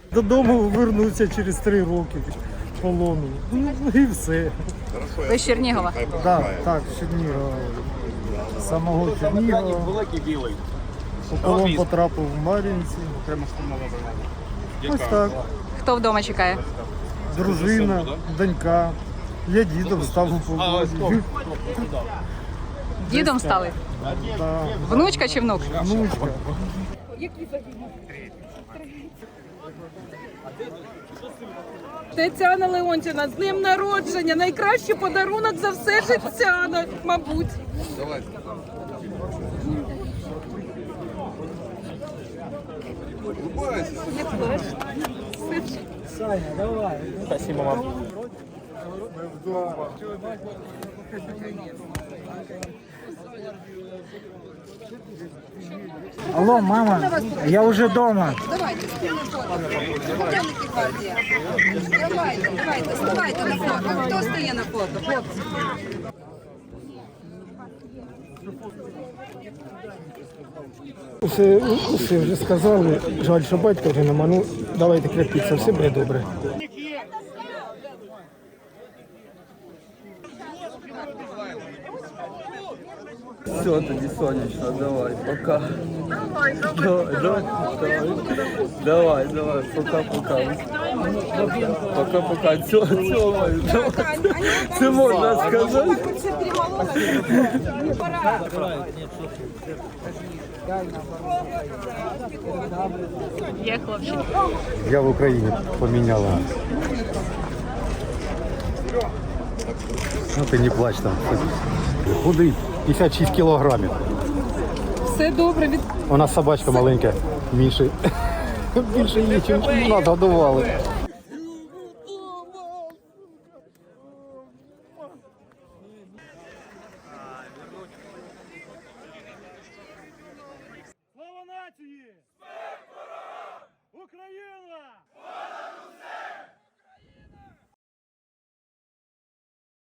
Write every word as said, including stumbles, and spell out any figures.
Додому вернуться через три роки полону. Ну і все. Ви з Чернігова? Так, так, з Чернігова. З самого Чернігова. У полон потрапив в Мар'їнці. Ось так. Хто вдома чекає? Дружина, донька. Я дідом став у полоні. Дідом стали? Да. Внучка чи внук? Внучка. Тетяна Леонтівна, з днем народження. Найкращий подарунок за все життя, мабуть. Давай. Саня, давай. Спасибо, мам. Алло, мама, я уже дома. Давайте, Начальники гвардії. Давайте, давайте, ставайте на фото. Хто стає на фото, хлопці? Усе, усе вже сказали. Жаль, що батька вже нема. Ну, давайте крепіться, все буде добре. Все, тоді сонячно, давай, пока. Давай, давай, давай, давай, давай, пока-пока. Пока-пока, цьомаю, давай. Це можна сказати? Є хлопчик. Я в Україні поміняла. Ну ти не плач там. Худий, п'ятдесят шість кілограмів. Все добре. Від... У нас собачка маленька, Міші. Більше її, ніж нас годували.